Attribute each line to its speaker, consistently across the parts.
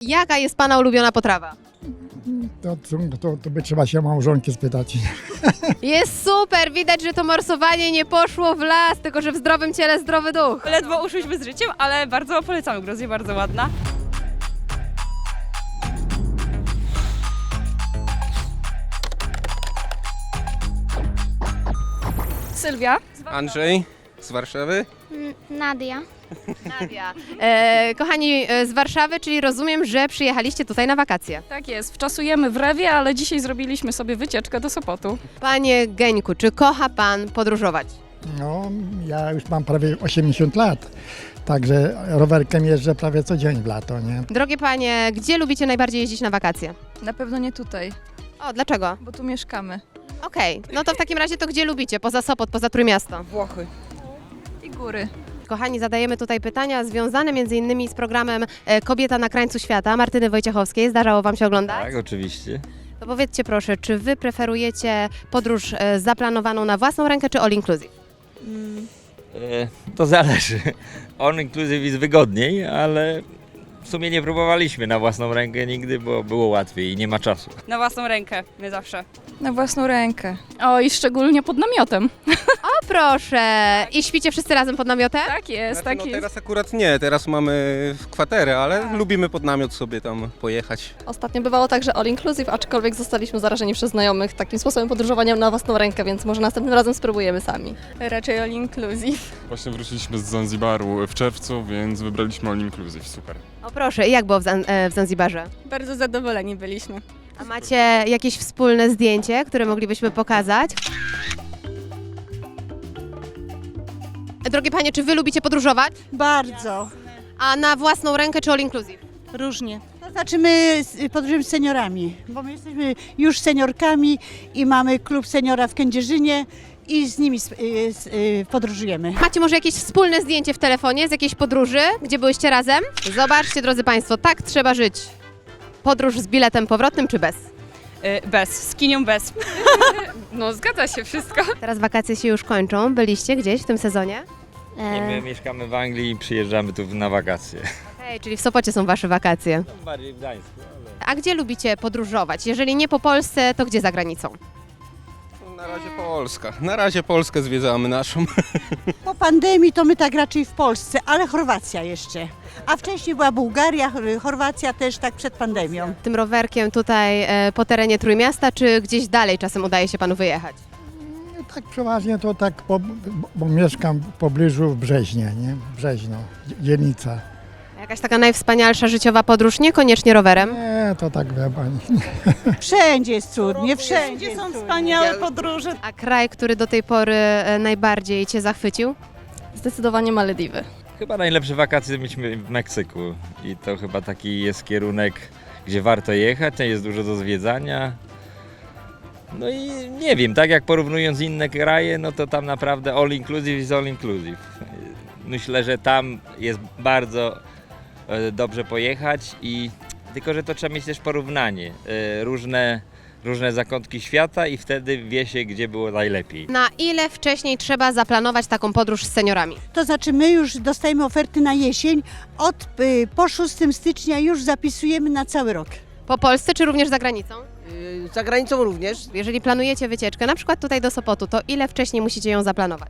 Speaker 1: Jaka jest Pana ulubiona potrawa?
Speaker 2: To by trzeba się małżonki spytać.
Speaker 1: Jest super, widać, że to morsowanie nie poszło w las, tylko że w zdrowym ciele zdrowy duch.
Speaker 3: Ledwo uszłyśmy z życiem, ale bardzo polecamy Gruzję, bardzo ładna. Sylwia.
Speaker 4: Andrzej z Warszawy.
Speaker 5: Nadia.
Speaker 1: Nadia. Kochani z Warszawy, czyli rozumiem, że przyjechaliście tutaj na wakacje.
Speaker 3: Tak jest, wczasujemy w Rewie, ale dzisiaj zrobiliśmy sobie wycieczkę do Sopotu.
Speaker 1: Panie Geńku, czy kocha Pan podróżować?
Speaker 2: No, ja już mam prawie 80 lat, także rowerkiem jeżdżę prawie co dzień w lato, nie?
Speaker 1: Drogie Panie, gdzie lubicie najbardziej jeździć na wakacje?
Speaker 3: Na pewno nie tutaj,
Speaker 1: O, dlaczego?
Speaker 3: bo tu mieszkamy.
Speaker 1: Okej, no to w takim razie to gdzie lubicie? Poza Sopot, poza Trójmiasto?
Speaker 3: Włochy. I góry.
Speaker 1: Kochani, zadajemy tutaj pytania związane m.in. z programem Kobieta na krańcu świata Martyny Wojciechowskiej. Zdarzało Wam się oglądać?
Speaker 6: Tak, oczywiście.
Speaker 1: To powiedzcie proszę, czy Wy preferujecie podróż zaplanowaną na własną rękę, czy all inclusive?
Speaker 6: To zależy. On inclusive jest wygodniej, ale w sumie nie próbowaliśmy na własną rękę nigdy, bo było łatwiej i nie ma czasu.
Speaker 3: Na własną rękę, my zawsze.
Speaker 7: Na własną rękę. O, i szczególnie pod namiotem.
Speaker 1: O proszę! I śpicie wszyscy razem pod namiotem?
Speaker 7: Tak jest,
Speaker 4: Znaczy,
Speaker 7: tak jest.
Speaker 4: teraz akurat nie, teraz mamy kwaterę, ale lubimy pod namiot sobie tam pojechać.
Speaker 8: Ostatnio bywało tak, że all inclusive, aczkolwiek zostaliśmy zarażeni przez znajomych takim sposobem podróżowania na własną rękę, więc może następnym razem spróbujemy sami.
Speaker 7: Raczej all inclusive.
Speaker 9: Właśnie wróciliśmy z Zanzibaru w czerwcu, więc wybraliśmy all inclusive, super.
Speaker 1: O proszę, i jak było w Zanzibarze?
Speaker 7: Bardzo zadowoleni byliśmy.
Speaker 1: A macie jakieś wspólne zdjęcie, które moglibyśmy pokazać? Drogie Panie, czy Wy lubicie podróżować?
Speaker 10: Bardzo.
Speaker 1: A na własną rękę czy all inclusive?
Speaker 10: Różnie. To znaczy my podróżujemy z seniorami, bo my jesteśmy już seniorkami i mamy klub seniora w Kędzierzynie i z nimi podróżujemy.
Speaker 1: Macie może jakieś wspólne zdjęcie w telefonie z jakiejś podróży, gdzie byłyście razem? Zobaczcie, drodzy Państwo, tak trzeba żyć. Podróż z biletem powrotnym czy bez?
Speaker 3: Bez, z kinią bez.
Speaker 7: No zgadza się wszystko.
Speaker 1: Teraz wakacje się już kończą. Byliście gdzieś w tym sezonie?
Speaker 6: I my mieszkamy w Anglii i przyjeżdżamy tu na wakacje.
Speaker 1: Okej, czyli w Sopocie są Wasze wakacje.
Speaker 6: Bardziej w Gdańsku, ale...
Speaker 1: A gdzie lubicie podróżować? Jeżeli nie po Polsce, to gdzie za granicą?
Speaker 4: Na razie Polska. Na razie Polskę zwiedzamy naszą.
Speaker 10: Po pandemii to my tak raczej w Polsce, ale Chorwacja jeszcze. A wcześniej była Bułgaria, Chorwacja też tak przed pandemią.
Speaker 1: Tym rowerkiem tutaj po terenie Trójmiasta, czy gdzieś dalej czasem udaje się Panu wyjechać?
Speaker 2: Tak przeważnie to tak, bo mieszkam w pobliżu w Brzeźnie, nie? Brzeźno, dzielnica.
Speaker 1: Jakaś taka najwspanialsza życiowa podróż, niekoniecznie rowerem?
Speaker 2: Nie, to tak wie pani.
Speaker 10: Wszędzie jest cudnie, wszędzie są wspaniałe podróże.
Speaker 1: A kraj, który do tej pory najbardziej Cię zachwycił?
Speaker 8: Zdecydowanie Malediwy.
Speaker 6: Chyba najlepsze wakacje mieliśmy w Meksyku i to chyba taki jest kierunek, gdzie warto jechać, jest dużo do zwiedzania. No i nie wiem, tak jak porównując inne kraje, no to tam naprawdę all inclusive jest all inclusive. Myślę, że tam jest bardzo dobrze pojechać i tylko, że to trzeba mieć też porównanie. Różne zakątki świata i wtedy wie się, gdzie było najlepiej.
Speaker 1: Na ile wcześniej trzeba zaplanować taką podróż z seniorami?
Speaker 10: To znaczy my już dostajemy oferty na jesień, po 6 stycznia już zapisujemy na cały rok.
Speaker 1: Po Polsce czy również za granicą?
Speaker 11: Za granicą również.
Speaker 1: Jeżeli planujecie wycieczkę, na przykład tutaj do Sopotu, to ile wcześniej musicie ją zaplanować?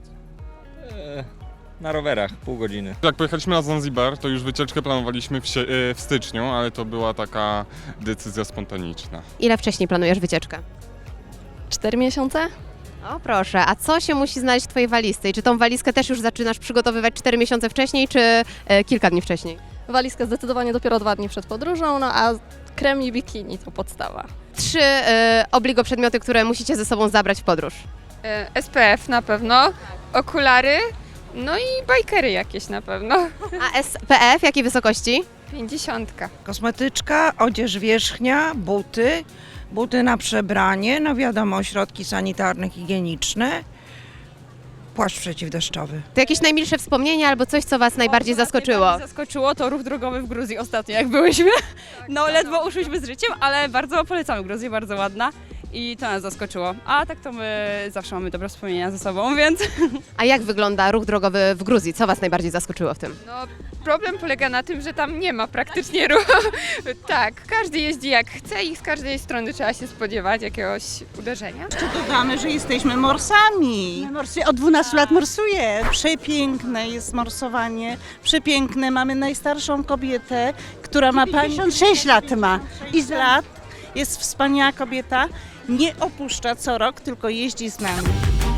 Speaker 6: Na rowerach, pół godziny.
Speaker 9: Jak pojechaliśmy na Zanzibar, to już wycieczkę planowaliśmy w styczniu, ale to była taka decyzja spontaniczna.
Speaker 1: Ile wcześniej planujesz wycieczkę?
Speaker 8: 4 miesiące?
Speaker 1: O proszę, a co się musi znaleźć w Twojej walizce? I czy tą walizkę też już zaczynasz przygotowywać 4 miesiące wcześniej, czy kilka dni wcześniej?
Speaker 8: Walizka zdecydowanie dopiero 2 dni przed podróżą, no a krem i bikini to podstawa.
Speaker 1: 3 obligo przedmioty, które musicie ze sobą zabrać w podróż.
Speaker 7: SPF na pewno, okulary, no i bajkery jakieś na pewno.
Speaker 1: A SPF jakiej wysokości?
Speaker 7: 50.
Speaker 11: Kosmetyczka, odzież wierzchnia, buty na przebranie, no wiadomo, środki sanitarne, higieniczne, płaszcz przeciwdeszczowy.
Speaker 1: To jakieś najmilsze wspomnienia albo coś, co Was najbardziej zaskoczyło?
Speaker 3: Najbardziej zaskoczyło to ruch drogowy w Gruzji ostatnio, jak byłyśmy. No ledwo uszłyśmy z życiem, ale bardzo polecamy Gruzję, bardzo ładna. I to nas zaskoczyło. A tak to my zawsze mamy dobre wspomnienia ze sobą, więc...
Speaker 1: A jak wygląda ruch drogowy w Gruzji? Co Was najbardziej zaskoczyło w tym?
Speaker 7: No Problem polega na tym, że tam nie ma praktycznie ruchu. Tak, każdy jeździ jak chce i z każdej strony trzeba się spodziewać jakiegoś uderzenia.
Speaker 11: Dodamy, że jesteśmy morsami.
Speaker 10: Od 12 lat morsuję.
Speaker 11: Przepiękne jest morsowanie, przepiękne. Mamy najstarszą kobietę, która ma
Speaker 10: 56 lat ma.
Speaker 11: I z lat. Jest wspaniała kobieta, nie opuszcza co rok, tylko jeździ z nami.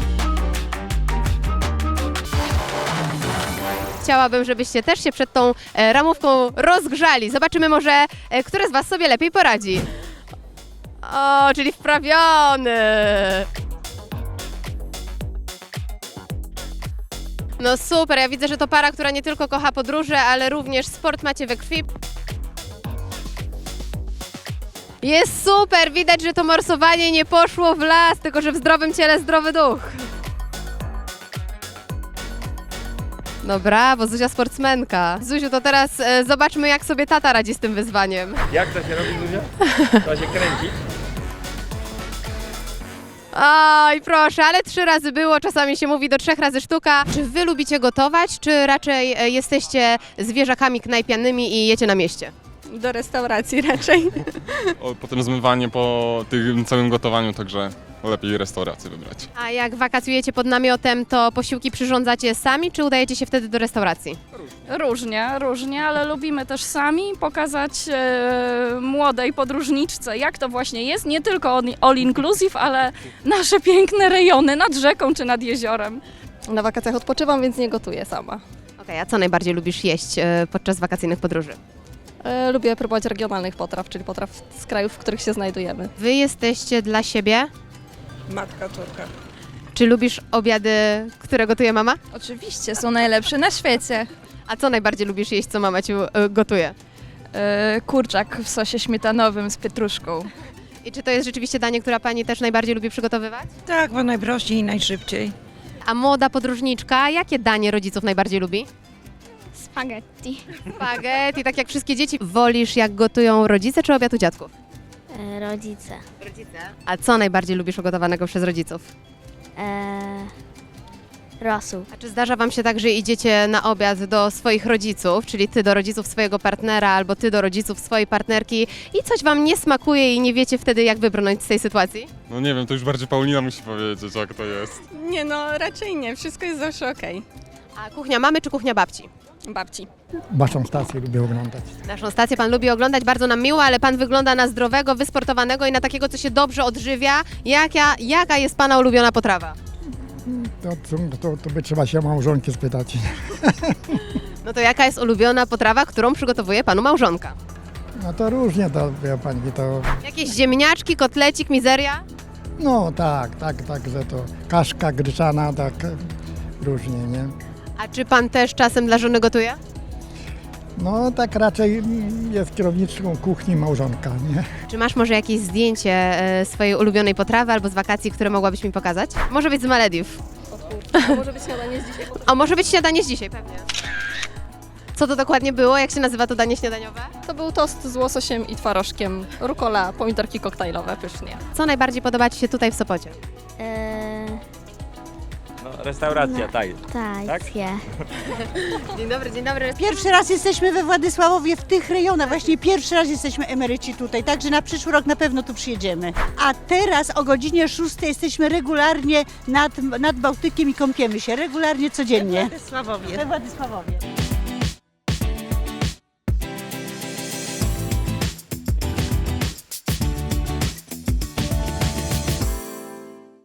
Speaker 1: Chciałabym, żebyście też się przed tą ramówką rozgrzali. Zobaczymy może, który z Was sobie lepiej poradzi. O, czyli wprawiony. No super, ja widzę, że to para, która nie tylko kocha podróże, ale również sport macie we krwi. Jest super, widać, że to morsowanie nie poszło w las, tylko że w zdrowym ciele zdrowy duch. No brawo, Zuzia sportsmenka. Zuziu, to teraz zobaczmy, jak sobie tata radzi z tym wyzwaniem.
Speaker 6: Jak to się robi, Zuzia? To się kręci.
Speaker 1: Oj, proszę, ale 3 razy było, czasami się mówi do 3 razy sztuka. Czy wy lubicie gotować, czy raczej jesteście zwierzakami knajpianymi i jecie na mieście?
Speaker 8: Do restauracji raczej.
Speaker 9: Potem zmywanie po tym całym gotowaniu, także lepiej restaurację wybrać.
Speaker 1: A jak wakacjujecie pod namiotem, to posiłki przyrządzacie sami, czy udajecie się wtedy do restauracji?
Speaker 3: Różnie, ale lubimy też sami pokazać młodej podróżniczce, jak to właśnie jest, nie tylko all inclusive, ale nasze piękne rejony nad rzeką czy nad jeziorem.
Speaker 8: Na wakacjach odpoczywam, więc nie gotuję sama.
Speaker 1: Okej, a co najbardziej lubisz jeść podczas wakacyjnych podróży?
Speaker 8: Lubię próbować regionalnych potraw, czyli potraw z krajów, w których się znajdujemy.
Speaker 1: Wy jesteście dla siebie?
Speaker 11: Matka córka.
Speaker 1: Czy lubisz obiady, które gotuje mama?
Speaker 7: Oczywiście, są najlepsze na świecie.
Speaker 1: A co najbardziej lubisz jeść, co mama ci gotuje?
Speaker 7: Kurczak w sosie śmietanowym z pietruszką.
Speaker 1: I czy to jest rzeczywiście danie, które pani też najbardziej lubi przygotowywać?
Speaker 11: Tak, bo najprościej i najszybciej.
Speaker 1: A młoda podróżniczka, jakie danie rodziców najbardziej lubi?
Speaker 7: Spaghetti.
Speaker 1: Spaghetti, tak jak wszystkie dzieci. Wolisz, jak gotują rodzice, czy obiad u dziadków?
Speaker 5: Rodzice.
Speaker 1: Rodzice. A co najbardziej lubisz ugotowanego przez rodziców?
Speaker 5: Rosół.
Speaker 1: A czy zdarza wam się tak, że idziecie na obiad do swoich rodziców, czyli ty do rodziców swojego partnera, albo ty do rodziców swojej partnerki i coś wam nie smakuje i nie wiecie wtedy, jak wybrnąć z tej sytuacji?
Speaker 9: No nie wiem, to już bardziej Paulina musi powiedzieć, jak to jest.
Speaker 7: Nie no, raczej nie, wszystko jest zawsze okej.
Speaker 1: A kuchnia mamy czy kuchnia babci?
Speaker 7: Babci.
Speaker 2: Waszą stację lubię oglądać.
Speaker 1: Naszą stację pan lubi oglądać, bardzo nam miło, ale pan wygląda na zdrowego, wysportowanego i na takiego, co się dobrze odżywia. Jaka jest pana ulubiona potrawa?
Speaker 2: To by trzeba się małżonki spytać.
Speaker 1: No to jaka jest ulubiona potrawa, którą przygotowuje panu małżonka?
Speaker 2: No to różnie to, wie pani, to...
Speaker 1: Jakieś ziemniaczki, kotlecik, mizeria?
Speaker 2: No tak, że to kaszka gryczana, tak różnie, nie?
Speaker 1: A czy pan też czasem dla żony gotuje?
Speaker 2: No tak raczej jest kierowniczką kuchni małżonka, nie?
Speaker 1: Czy masz może jakieś zdjęcie swojej ulubionej potrawy albo z wakacji, które mogłabyś mi pokazać? Może być z Malediw.
Speaker 8: A może być śniadanie z dzisiaj?
Speaker 1: A może być śniadanie z dzisiaj, pewnie. Co to dokładnie było? Jak się nazywa to danie śniadaniowe?
Speaker 8: To był tost z łososiem i twarożkiem, rukola, pomidorki koktajlowe, pysznie.
Speaker 1: Co najbardziej podoba ci się tutaj w Sopocie?
Speaker 6: No, restauracja, tak.
Speaker 5: Tajcie.
Speaker 1: Dzień dobry, dzień dobry.
Speaker 10: Pierwszy raz jesteśmy we Władysławowie w tych rejonach, właśnie pierwszy raz jesteśmy emeryci tutaj, także na przyszły rok na pewno tu przyjedziemy. A teraz o godzinie 6 jesteśmy regularnie nad Bałtykiem i kąpiemy się, regularnie codziennie.
Speaker 11: Sławowie.
Speaker 10: We Władysławowie.